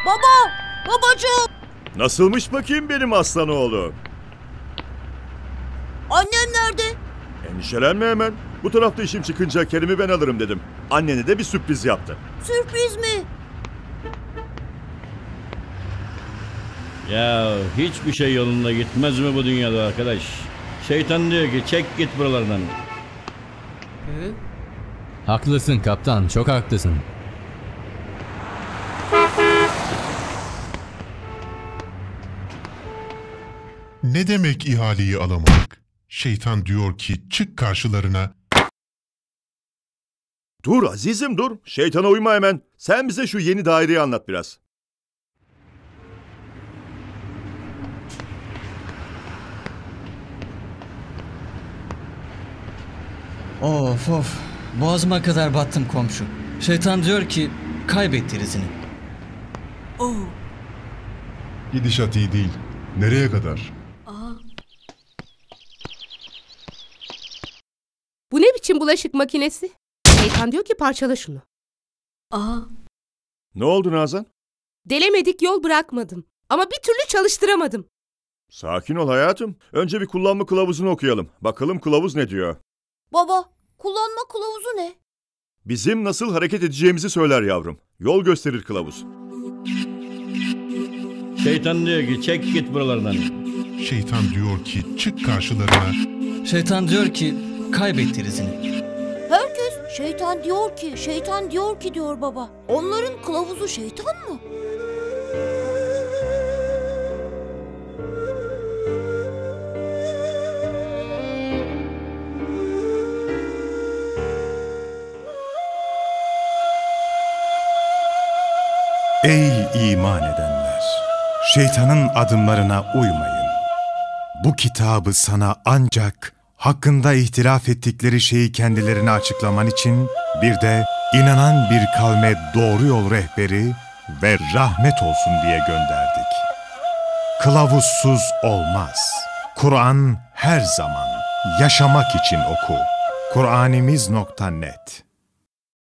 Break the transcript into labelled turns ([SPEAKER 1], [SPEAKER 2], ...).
[SPEAKER 1] Baba! Babacığım!
[SPEAKER 2] Nasılmış bakayım benim aslan oğlum?
[SPEAKER 1] Annem nerede?
[SPEAKER 2] Endişelenme hemen. Bu tarafta işim çıkınca Kerim'i ben alırım dedim. Annene de bir sürpriz yaptı.
[SPEAKER 1] Sürpriz mi?
[SPEAKER 3] Ya hiçbir şey yolunda gitmez mi bu dünyada arkadaş? Şeytan diyor ki çek git buralardan.
[SPEAKER 4] Haklısın kaptan, çok haklısın.
[SPEAKER 5] Ne demek ihaleyi alamadık? Şeytan diyor ki çık karşılarına.
[SPEAKER 2] Dur azizim dur. Şeytana uyma hemen. Sen bize şu yeni daireyi anlat biraz.
[SPEAKER 6] Of of. Boğazıma kadar battım komşu. Şeytan diyor ki kaybet derisini.
[SPEAKER 1] Oo.
[SPEAKER 5] Gidişat iyi değil. Nereye kadar?
[SPEAKER 7] Bu ne biçim bulaşık makinesi? Şeytan diyor ki parçala şunu.
[SPEAKER 2] Ne oldu Nazan?
[SPEAKER 7] Delemedik yol bırakmadım. Ama bir türlü çalıştıramadım.
[SPEAKER 2] Sakin ol hayatım. Önce bir kullanma kılavuzunu okuyalım. Bakalım kılavuz ne diyor?
[SPEAKER 1] Baba, kullanma kılavuzu ne?
[SPEAKER 2] Bizim nasıl hareket edeceğimizi söyler yavrum. Yol gösterir kılavuz.
[SPEAKER 3] Şeytan diyor ki çek git buralardan.
[SPEAKER 5] Şeytan diyor ki çık karşılarına.
[SPEAKER 6] Şeytan diyor ki kaybet derisini.
[SPEAKER 1] Herkes şeytan diyor ki diyor baba. Onların kılavuzu şeytan mı?
[SPEAKER 8] Ey iman edenler! Şeytanın adımlarına uymayın. Bu kitabı sana ancak hakkında ihtilaf ettikleri şeyi kendilerine açıklaman için bir de inanan bir kavme doğru yol rehberi ve rahmet olsun diye gönderdik. Kılavuzsuz olmaz. Kur'an her zaman yaşamak için oku. Kur'animiz.net